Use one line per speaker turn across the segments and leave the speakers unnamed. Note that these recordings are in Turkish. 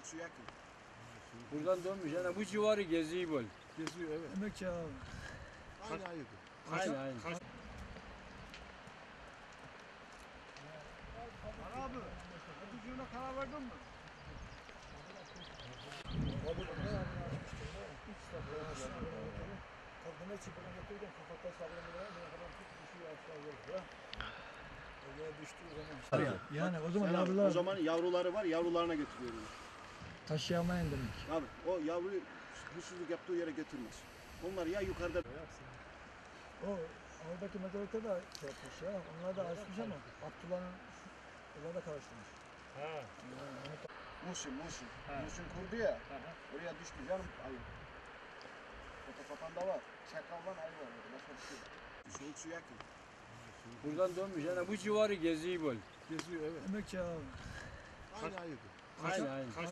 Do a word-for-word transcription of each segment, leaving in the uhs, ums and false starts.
su yakın.
Buradan dönmüş. Yani bu civarı geziyor böyle.
Geziyor evet.
Demek ya abi.
Aynı ayıydı.
Aynen aynen.
Abi, öpücüğüne karar verdin mi? Kadına çıkıp götürürken kafatta sallamaya ne kadar tut düşüyor aşağı doğru. Oraya düştüğü zaman. Yani o zaman
Sen abi,
yavrular
o zaman yavruları var, yavrularına götürüyorum.
taşıyamayın demek.
Abi o yavruyu huysuzluk yaptığı yere götürmez. Onlar ya yukarıda.
O oradaki mezarlıkta da şey yapmış ya. Onlar da açmış ama Abdullah'ın onlar da karıştırmış.
Ha.
Muhsin, Muhsin. Muhsin kurdu ya. Oraya düştü canım ayı. Fotoğrafında var. Çakaldan ayı var orada. Başka bir şey yok. Soğuk su yakın.
Buradan dönmüş. Yani bu civarı geziyor böyle.
Geziyor evet.
Demek ya abi.
Aynı ayıydı.
Aynen aynen.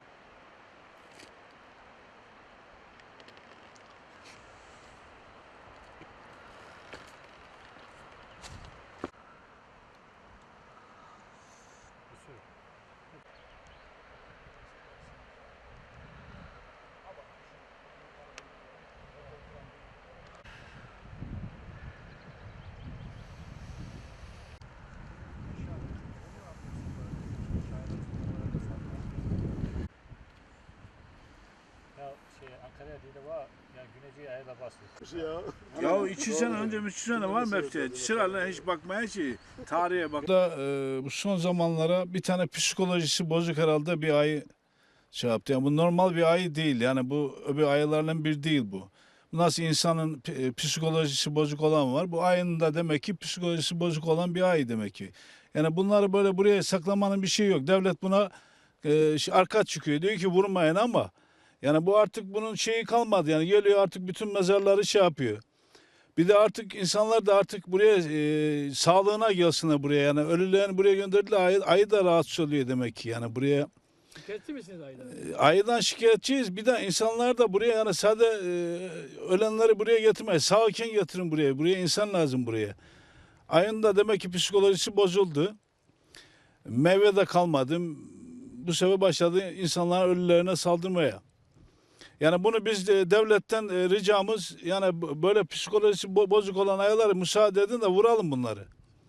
Ya şey Ankara'ya değil de var ya Güneyci'ye ayda basıyor.
Ya.
Ya iki sene önce, üç sene var mı hepsi? Sırayla hiç bakmaya ki tarihe bak. Da, e, bu son zamanlara bir tane psikolojisi bozuk herhalde bir ayı şey yaptı. Yani bu normal bir ayı değil. Yani bu öbür ayılardan bir değil bu. Nasıl insanın e, psikolojisi bozuk olan var. Bu ayının da demek ki psikolojisi bozuk olan bir ayı demek ki. Yani bunları böyle buraya saklamanın bir şey yok. Devlet buna e, şey, arka çıkıyor. Diyor ki vurmayın ama yani bu artık bunun şeyi kalmadı. Yani geliyor artık bütün mezarları şey yapıyor. Bir de artık insanlar da artık buraya e, sağlığına gelsinler buraya. Yani ölülerini buraya gönderdiler. Ayı, ayı da rahatsız oluyor demek ki. Yani buraya
Şikayetçi misiniz ayıdan?
e, ayıdan şikayetçiyiz. Bir de insanlar da buraya yani sadece e, ölenleri buraya getirmeyin. Sağken getirin buraya. Buraya insan lazım buraya. Ayın da demek ki psikolojisi bozuldu. Meyve de kalmadı. Bu sefer başladı insanların ölülerine saldırmaya. Yani bunu biz de devletten e, ricamız yani b- böyle psikolojisi bo- bozuk olan ayıları müsaade edin de vuralım bunları.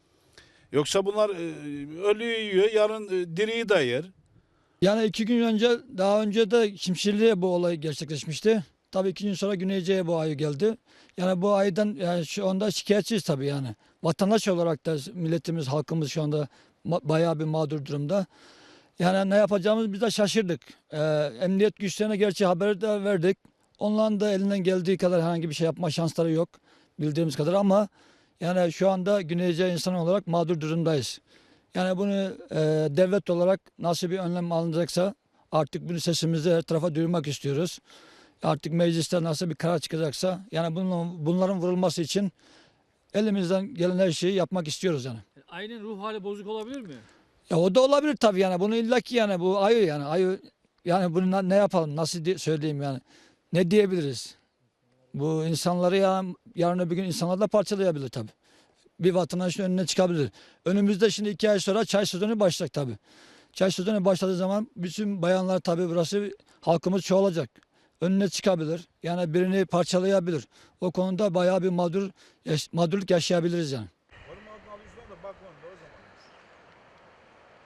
Yoksa bunlar e, ölüyü yiyor, yarın e, diriyi de yer.
Yani iki gün önce, daha önce de Şimşirli'ye bu olay gerçekleşmişti. Tabii iki gün sonra Güneyce'ye bu ayı geldi. Yani bu aydan yani şu anda şikayetçiyiz tabii yani. Vatandaş olarak da milletimiz, halkımız şu anda ma- bayağı bir mağdur durumda. Yani ne yapacağımız biz de şaşırdık. Ee, emniyet güçlerine gerçi haber de verdik. Onların da elinden geldiği kadar herhangi bir şey yapma şansları yok bildiğimiz kadar ama yani şu anda Güneyce insan olarak mağdur durumdayız. Yani bunu e, devlet olarak nasıl bir önlem alınacaksa artık bunu sesimizi her tarafa duyurmak istiyoruz. Artık mecliste nasıl bir karar çıkacaksa yani bunun, bunların vurulması için elimizden gelen her şeyi yapmak istiyoruz yani.
Ayının ruh hali bozuk olabilir mi?
Ya o da olabilir tabii yani bunu illaki yani bu ayı yani ayı yani bunu na- ne yapalım nasıl di- söyleyeyim yani ne diyebiliriz? Bu insanları ya yarın öbür gün insanlar da parçalayabilir tabii. Bir vatandaşın önüne çıkabilir. Önümüzde şimdi iki ay sonra çay sezonu başlayacak tabii. Çay sezonu başladığı zaman bütün bayanlar tabii burası halkımız çoğalacak. Önüne çıkabilir. Yani birini parçalayabilir. O konuda bayağı bir mağdur, yaş- mağdurluk yaşayabiliriz yani.